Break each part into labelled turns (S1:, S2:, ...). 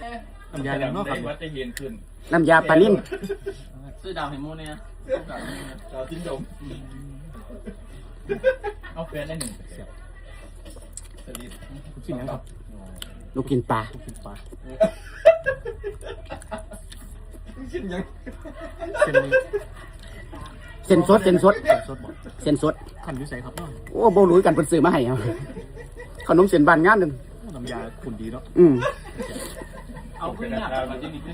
S1: น้ำยาอย่างนอกครับ
S2: ว่าจะเย็นขึ้น
S3: น้ำยาปลานิ่ม
S4: ซื้อดาวเห็นมูเนี่ย
S2: เราจิ้นดมเอาแฟนได้หนึ่งสลิด
S1: กินยังครับ
S3: ลูกกินปลา
S1: กินปลา
S2: กินยัง
S1: เส้นนี้
S3: เส้นสด
S1: สดบอก
S3: เส้นสด
S1: ขันวิสัยครับน้อง
S3: โอ้โบรู้กันเป็นซื้อมาให้เอาขนมเส้นบานงานหนึ่ง
S1: น้ำยาขุ่นดีเนาะ
S4: เอาขึ้นหน้ามันจะมีขึ้น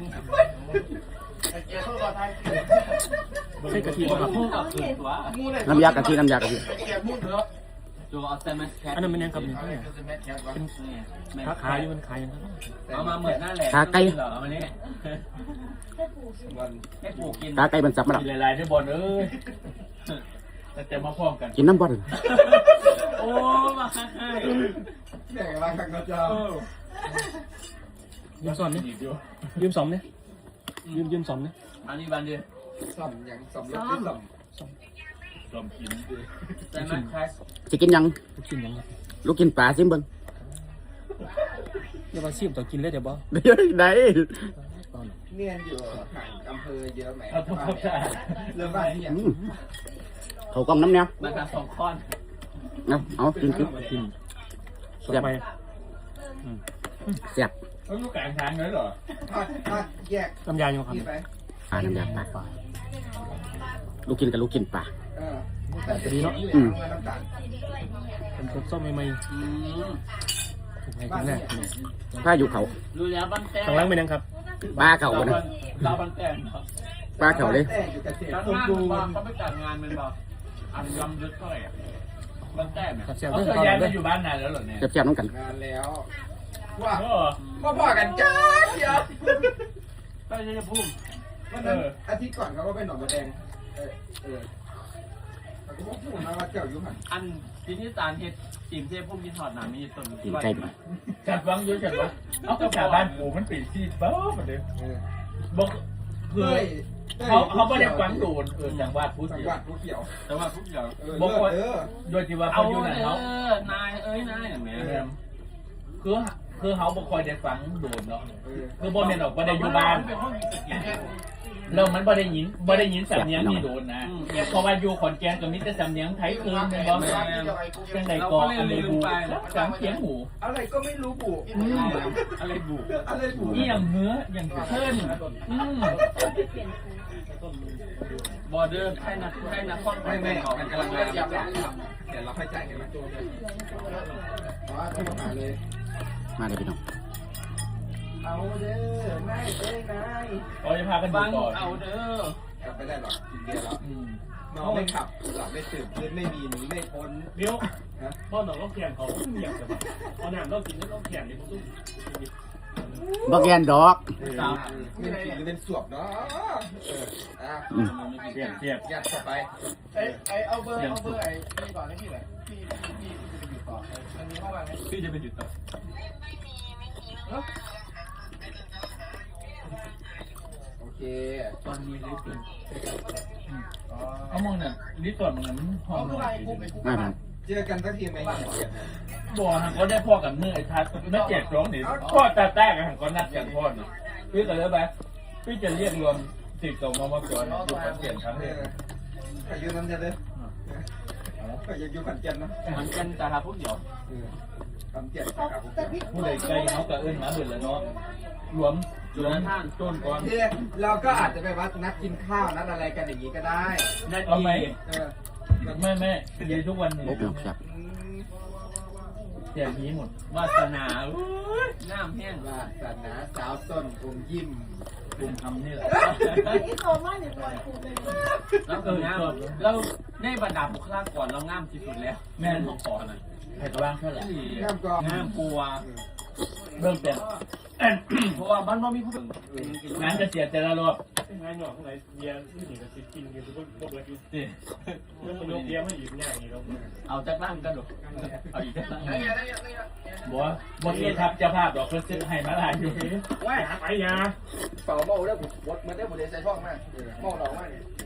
S1: ใช่กะทิครับ
S4: พูดกับตัว
S3: น้ำยากะทิน้ำยากะทิ
S4: ตัวเอาแซมแคท
S1: อันนั้นมันยังครับนี่เป็นค้าขายอยู่มันขายยังครับ
S4: เอามาเหมือนหน้าแหลมเหรอเอามาเนี่ยให้ปลูกกิน
S3: ตาไก่มันสับมาแล้ว
S2: กินหลายๆที่บอลเอ้ยแต่จะมาพร้อมกัน
S3: กินน้ำบอล
S4: โอ้มาให้
S2: แข่งอะไรกันก็จะ
S1: ยืมซ้อมเนี่ยยืมซ้อมเนี่ยยืมซ้อมเนี่ย
S4: อันนี้บันเดียว
S2: สมยังสมเล็กที่สมกินด้วย
S4: แซมแคท
S3: จะกินยัง
S1: ลูกกินยังครับ
S3: ลูกกินปลาซิมเบิ้ง
S1: เดี๋ยวมาซิมต่อกินเลยเดี๋ยวบ่
S3: ได้
S2: เนียนอยู่ห่างอำเภอเยอะไหมเอาทุกคนเริ่มบ้านที่อย่าง
S3: เขากล้องน้ำเนี้ย
S4: มาทำสองข้อน
S3: เอากิน
S1: กินสดไป
S3: เสียบ
S2: เขาอยู่กลางทางเลยเหรอแยก
S1: น้ำยาอยู่ครับ
S2: ไป
S3: ปลาน้ำยาปลาลูกกินกับลูกกินปลา
S1: ดีเนาะ
S2: น้ำตาล
S1: เป็นสดส้มใหม่ๆถูกไหมกินแน่
S3: ผ้าอยู่เขา
S4: รู้แล้วบันแต้
S1: ข้างล่างเป็นยังครับ
S3: ปลาเขานะ
S4: เราบันแต้ครับ
S3: ปลาเขาเลย
S2: อยู่เกษตร
S4: แล้ว
S2: สม
S4: งาน
S2: บู
S4: มัน
S2: ร
S4: บอก
S2: ณ์
S4: เขาไปจัดงานมันบอกอันยำลึกเท่าไหร่บันแต้เนี่ย
S1: เสียบ
S2: เขา
S1: เรื่อง
S2: เคย
S1: ตอน
S2: ย้าย
S1: เล
S2: มาย อยู่บ้านนานแล้วเหรอเนี่ย
S3: เสียบๆน้องกัน
S2: นานแล้วว่าพ่อกันจ้าเดี๋ยว
S4: ไปจะพูด
S2: วันนั้นอาทิตย์ก่อนเขาก็ไปหนองบัวแดงเขาก็พูดมาว่าเจ้าอยู่หัน
S4: อันที่ที่สารเห็ดจิ๋มเทพพุ่มกินถอดหนามีต้น
S3: กินไก่ไป
S2: จัดวังเยอะจัดวะเอากระถาบ้านปู่มันปิดที่เบ้าหมดเลยบอกคือเขาไม่ได้ฟังโดนอย่างวาดพูด
S5: จัง
S2: เดี
S5: ห
S2: ย
S5: วั
S2: ว
S5: ดผู้เขียว
S4: แต่ว่าทุกอย่าง
S2: บอกว่า
S5: อ
S2: โดยที่ว่า
S4: เอา
S2: เขาอยู่ไหน
S4: เอ
S2: เขา
S4: นายนายอย่างเงี้ย
S2: คือเขาบ่คอยได้ฟังโดนเนาะคือบ่แม่นออกบ่ได้อยู่บ้านแล้วมันบ่ได้ยินสำเนียงนี่โดนนะเพราะว่าอยู่ขอนแก่นก็มีแต่สำเนียงไทยคืนเป็นบ่จังได๋ก็อันใดบูจังเสียงหู
S5: อะไรก็ไม่รู้บุ
S4: อะไรบุ
S5: อะไรบุ
S2: นี่อย่างเนื้ออย่างเพิ่น
S4: บอร์เดอร์ให้นักข้อน
S5: ไม่มันกำลังมายับเดี๋ยวเราค่อยจ่ายกันไหมต้องมาเลย
S3: มาเลยพี่น้อง
S5: เอาเด้อนายเด้อนาย
S2: เขาจะพากันดู
S4: ฟัง
S2: ก่อน
S4: เอาเด้อก
S5: ลับไปได้หรอกินเบียร์แล้วเมาไม่ขับหลับไม่ตื่นเพื่อนไม่มีหนีไม่พ้น
S1: เดี๋ยวพ่อหนองต้องแข่งเขาต้องเหยียบกันเอาหนามต้องกินแล้วต้องแข่งเลยต้อง
S3: บักแอนดอก
S4: สาว
S5: เป็นผีหรือเป็นสวบเนาะ
S2: เทียบ
S5: ยัดเข้าไป
S2: เอาเบอร์ไอ้นี่ก่อนให้พี่หน่อยพี่จะไปหยุดต่อมันมีข้อความไหมพี่จะไปหยุดต่อ
S5: โอเค
S4: ตอนมีลิฟต์
S2: เอามองเนี่ยลิฟต์ก่อนมันห้องนอน
S3: มาทาง
S5: เจอกันสักทีไหม
S2: บ่ฮะก็ได้พ่อกับเมื่อไอ้ทัศน์ไม่แจกร้องนี่พ่อตาแตกกันก็นัดกันพ่อนี่พี่ก็เลยไปพี่จะเรียกรวมติดต่อมาก่อนอยู่ขอนแก่นครั้งนี้
S5: ขยุน้ำจะเลยขยุขันเจนนะ
S4: มันเป็นแต่หาพวกเดียว
S5: ขันเจนครับ
S2: ผู้ใดใกล้เขาก็เอิ้นมาเบิดแล้วเนาะรวมต้นก่อน
S5: ที่เราก็อาจจะไปวัดนัดกินข้าวนัดอะไรกันอย่างนี้ก็ได้
S4: นาที
S2: เอาไหมไม่ยืนทุกวันนี้
S3: โอ้พี่น้องครับ
S2: แจกนี้หมด
S4: วาสนาน้ำแห้ง
S5: วาสนาสาวต้นอมยิ้ม
S2: กลุ่มทำนี่แหละ
S4: แล้วคืองามเราในบรรดาบุคลากรเรางามที่สุดแล้วแม่ของขอนะ
S2: ใครก็ว่างเท่าไหร่
S5: น้ำก็
S4: งามกลัว
S2: เริ่มเป็น
S4: เพราะว่ามันไม่มีผู้
S2: งานจะเสียแต่ละรอบ
S1: งานหยอกข้างไหนเบียร์ที่นี่ก็กินกันทุกคนพวกเลย
S2: นี่
S1: แล้วมันยกเบียร์ไม่หยิบง่ายอย่างนี้เรา
S4: เอาจากล่างกันหรอเอาอีกจากล่าง
S2: บอกเอทับจะภาพดอกเพื่อซื้อให้มาลายอยู่
S1: ว่าไปยา
S5: เป่าเมาได้ผมวดมันได้ผมเรียนใส่ช่องมากเมาเรามากเนี่ย